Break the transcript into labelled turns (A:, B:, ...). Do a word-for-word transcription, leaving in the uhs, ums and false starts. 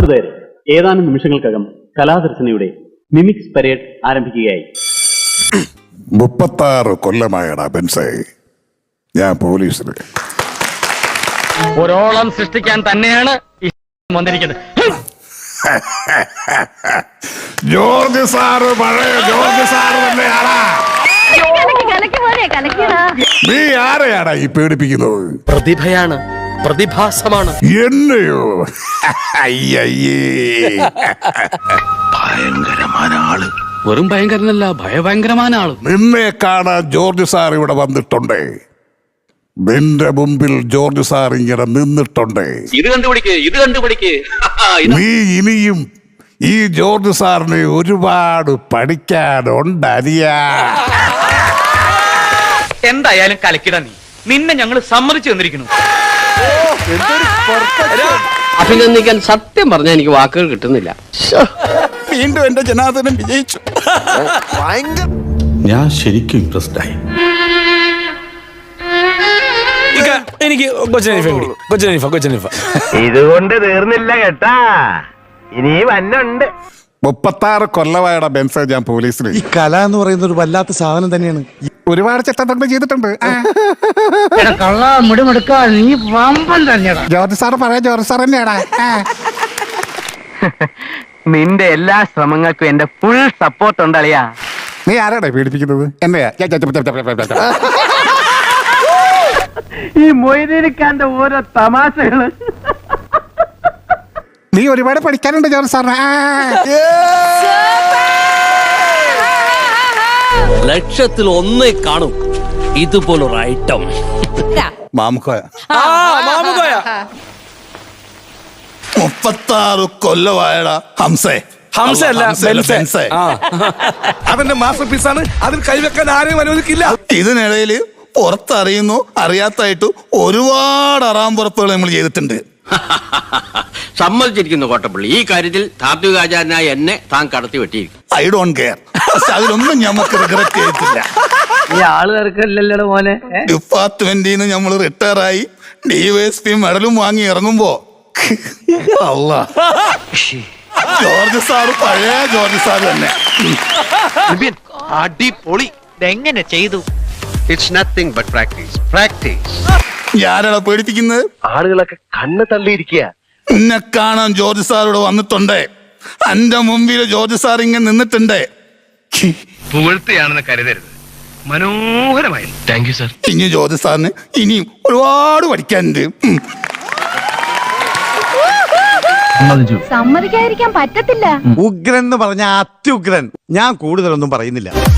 A: സഹൃദയരെ, ഏതാനും നിമിഷങ്ങൾക്കകം കലാദർശനയുടെ mimics parade ആരംഭിക്കുകയായി.
B: മുപ്പത്താറ് കൊല്ലമായടാ ബെൻസേ ഞാൻ പോലീസിൽ.
C: ഒരോളം സൃഷ്ടിക്കാൻ തന്നെയാണ് വന്നിരിക്കുന്നത്.
B: ജോർജ് സാറ് പഴയ ജോർജ് സാറ് തന്നെയാടാ. നീ ആരെയാടാ ഈ പേടിപ്പിക്കുന്നത്?
D: പ്രതിഭയാണ്, പ്രതിഭാസമാണ്.
B: എന്നെയോ? അയ്യയ്യേ,
D: ഭയങ്കരമായ ആള്. വെറും ഭയങ്കരനല്ല, ഭയഭയങ്കരമായ ആള്.
B: നിന്നെ കാണാൻ ജോർജ് സാർ ഇവിടെ വന്നിട്ടുണ്ടേ. നിന്റെ മുമ്പിൽ ജോർജ് സാർ ഇങ്ങനെ നിന്നിട്ടുണ്ടേ.
D: ഇത് കണ്ടുപിടിക്ക്, ഇത് കണ്ടുപിടിക്ക്.
B: നീ ഇനിയും ഈ ജോർജ് സാറിന് ഒരുപാട് പഠിക്കാനുണ്ട് അരിയാ.
C: എന്തായാലും കലക്കിട നീ. നിന്നെ ഞങ്ങൾ സമ്മതിച്ചു തന്നിരിക്കുന്നു.
D: അഭിനന്ദിക്കാൻ സത്യം പറഞ്ഞാൽ എനിക്ക് വാക്കുകൾ കിട്ടുന്നില്ല.
B: വീണ്ടും എന്റെ ജനാർദ്ദനം വിജയിച്ചു.
E: ഞാൻ ശരിക്കും ഇംപ്രസ്ഡ് ആയി.
F: എനിക്ക്
C: ഇതുകൊണ്ട് തീർന്നില്ല കേട്ടാ, ഇനി വന്നുണ്ട്.
B: മുപ്പത്താറ് കൊല്ലമായടാ ബെൻസേ ഞാൻ പോലീസിൽ.
G: ഈ കല എന്ന് പറയുന്ന ഒരു വല്ലാത്ത സാധനം തന്നെയാണ്.
B: ഒരുപാട് ചട്ടങ്ങൾ ചെയ്തിട്ടുണ്ട്.
C: നീ വമ്പൻ തന്നെയാ.
B: ജോർജ് സാറ് പറയാ ജോർജ് സാർ തന്നെയാടാ.
C: നിന്റെ എല്ലാ ശ്രമങ്ങൾക്കും എന്റെ ഫുൾ സപ്പോർട്ട് ഉണ്ടളിയാ.
B: നീ ആരാടാ പീഡിപ്പിക്കുന്നത്? എന്നെയാ?
C: ഈ മൊയ്തീനിക്കാന്റെ ഓരോ തമാശകള്.
B: നീ ഒരുപാട് പഠിക്കാനുണ്ട് ജോർജ് സാറിന്.
D: ലക്ഷത്തിൽ ഒന്നേ കാണും ഇതുപോലൊരു ഐറ്റം.
B: മാമുക്കോയ മുപ്പത്താറ് കൊല്ലമായടാ ഹംസേ.
F: ഹംസല്ല, ബെൻസേ.
B: അവന്റെ മാസ്റ്റർ പീസാണ്. അതിൽ കൈവെക്കാൻ ആരെയും അനുവദിക്കില്ല. ഇതിനിടയില് പുറത്തറിയുന്നു അറിയാത്തായിട്ട് ഒരുപാട് അറാമ്പുറപ്പുകൾ നമ്മൾ ചെയ്തിട്ടുണ്ട്.
D: സമ്മതിച്ചിരിക്കുന്നു കോട്ടപ്പള്ളി. ഈ കാര്യത്തിൽ താത്വികാചാരനായ എന്നെ താൻ കടത്തി വെട്ടിയിരിക്കും.
B: I don't care. അതിലൊന്നും ഞമ്മക്ക് റിഗ്രറ്റ് ചെയ്തിട്ടില്ല.
C: ഈ ആള് തീർക്കല്ലോ മോനെ.
B: ഡിപ്പാർട്ട്മെന്റിൽ നിന്ന് നമ്മൾ റിട്ടയർ ആയി ഡിവൈഎസ്പി മെഡലും വാങ്ങി ഇറങ്ങുമ്പോ അല്ലാ, ജോർജ് സാറ് പഴയ ജോർജ് സാറ് തന്നെ.
D: അടിപൊളി.
C: എങ്ങനെ ചെയ്തു?
D: It's nothing but practice, practice.
B: ഞാനാണ് പേടിപ്പിക്കുന്നത്.
D: ആളുകളൊക്കെ കണ്ണ് തള്ളിയിരിക്കുക.
B: എന്നെ കാണാൻ ജോർജ് സാറോട് വന്നിട്ടുണ്ടേ. എന്റെ മുമ്പിൽ ജോർജ് സാർ ഇങ്ങനെ നിന്നിട്ടുണ്ടേ.
C: പുകഴ്ത്തിയാണെന്ന് കരുതരുത്. മനോഹരമായി. Thank you sir.
B: ഇനി ജോർജ് സാറിന് ഇനിയും ഒരുപാട് പഠിക്കാനുണ്ട്.
H: സമ്മതിക്കാതിരിക്കാൻ പറ്റത്തില്ല.
G: ഉഗ്രൻ എന്ന് പറഞ്ഞ അത്യുഗ്രൻ. ഞാൻ കൂടുതലൊന്നും പറയുന്നില്ല.